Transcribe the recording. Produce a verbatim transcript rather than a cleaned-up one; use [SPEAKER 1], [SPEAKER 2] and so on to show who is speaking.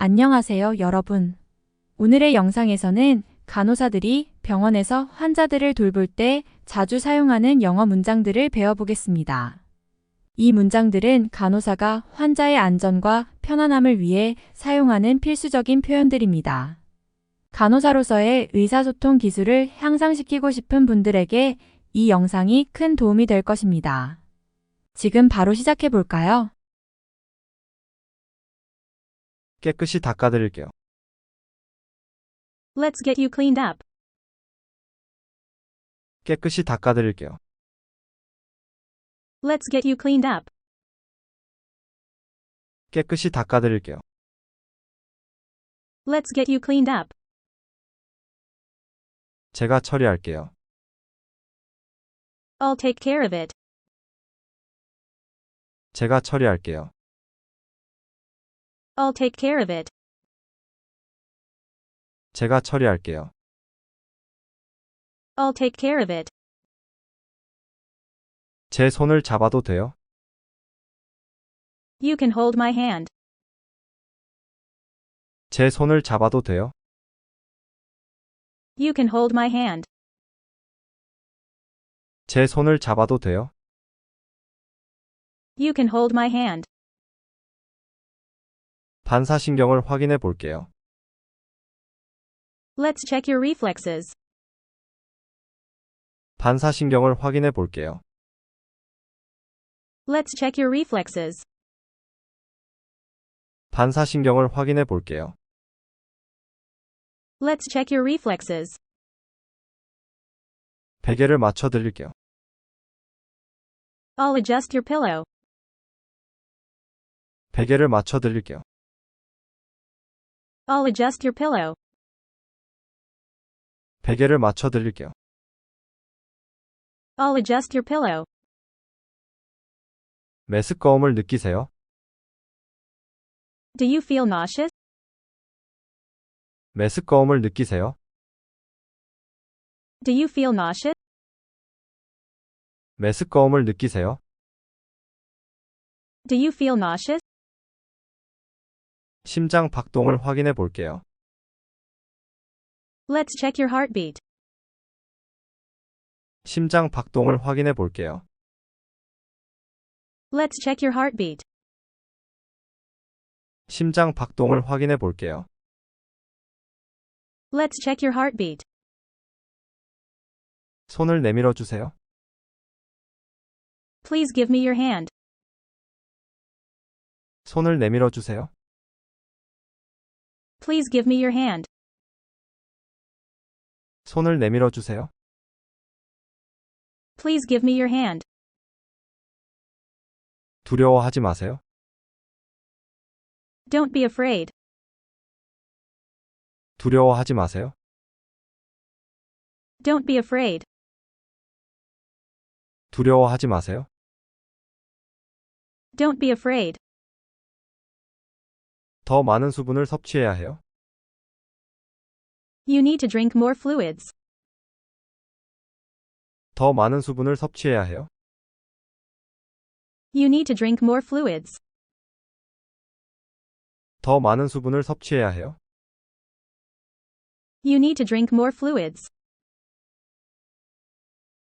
[SPEAKER 1] 안녕하세요, 여러분. 오늘의 영상에서는 간호사들이 병원에서 환자들을 돌볼 때 자주 사용하는 영어 문장들을 배워보겠습니다. 이 문장들은 간호사가 환자의 안전과 편안함을 위해 사용하는 필수적인 표현들입니다. 간호사로서의 의사소통 기술을 향상시키고 싶은 분들에게 이 영상이 큰 도움이 될 것입니다. 지금 바로 시작해 볼까요?
[SPEAKER 2] 깨끗이 닦아드릴게요.
[SPEAKER 3] Let's get you cleaned up.
[SPEAKER 2] 깨끗이 닦아드릴게요.
[SPEAKER 3] Let's get you cleaned up.
[SPEAKER 2] 깨끗이 닦아드릴게요.
[SPEAKER 3] Let's get you cleaned up.
[SPEAKER 2] 제가 처리할게요.
[SPEAKER 3] I'll take care of it.
[SPEAKER 2] 제가 처리할게요.
[SPEAKER 3] I'll take care of it.
[SPEAKER 2] 제가 처리할게요.
[SPEAKER 3] I'll take care of it.
[SPEAKER 2] 제 손을 잡아도 돼요?
[SPEAKER 3] You can hold my hand.
[SPEAKER 2] 제 손을 잡아도 돼요?
[SPEAKER 3] You can hold my hand.
[SPEAKER 2] 제 손을 잡아도 돼요?
[SPEAKER 3] You can hold my hand.
[SPEAKER 2] 반사신경을 확인해 볼게요.
[SPEAKER 3] Let's check your reflexes.
[SPEAKER 2] 반사신경을 확인해 볼게요.
[SPEAKER 3] Let's check your reflexes.
[SPEAKER 2] 반사신경을 확인해 볼게요.
[SPEAKER 3] Let's check your reflexes.
[SPEAKER 2] 베개를 맞춰 드릴게요.
[SPEAKER 3] I'll adjust your pillow.
[SPEAKER 2] 베개를 맞춰 드릴게요.
[SPEAKER 3] I'll adjust your pillow.
[SPEAKER 2] 베개를 맞춰 드릴게요.
[SPEAKER 3] I'll adjust your pillow.
[SPEAKER 2] 메스꺼움을 느끼세요?
[SPEAKER 3] Do you feel nauseous?
[SPEAKER 2] 메스꺼움을 느끼세요?
[SPEAKER 3] Do you feel nauseous?
[SPEAKER 2] 메스꺼움을 느끼세요?
[SPEAKER 3] Do you feel nauseous?
[SPEAKER 2] 심장 박동을 확인해 볼게요.
[SPEAKER 3] Let's check your heartbeat.
[SPEAKER 2] 심장 박동을 확인해 볼게요.
[SPEAKER 3] Let's check your heartbeat.
[SPEAKER 2] 심장 박동을 확인해 볼게요.
[SPEAKER 3] Let's check your heartbeat.
[SPEAKER 2] 손을 내밀어 주세요.
[SPEAKER 3] Please give me your hand.
[SPEAKER 2] 손을 내밀어 주세요.
[SPEAKER 3] Please give me your hand.
[SPEAKER 2] 손을 내밀어 주세요.
[SPEAKER 3] Please give me your hand.
[SPEAKER 2] 두려워하지 마세요.
[SPEAKER 3] Don't be afraid.
[SPEAKER 2] 두려워하지 마세요.
[SPEAKER 3] Don't be afraid.
[SPEAKER 2] 두려워하지 마세요.
[SPEAKER 3] Don't be afraid.
[SPEAKER 2] 더 많은 수분을 섭취해야 해요.
[SPEAKER 3] You need to drink more fluids.
[SPEAKER 2] 더 많은 수분을 섭취해야 해요.
[SPEAKER 3] You need to drink more fluids.
[SPEAKER 2] 더 많은 수분을 섭취해야 해요.
[SPEAKER 3] You need to drink more fluids.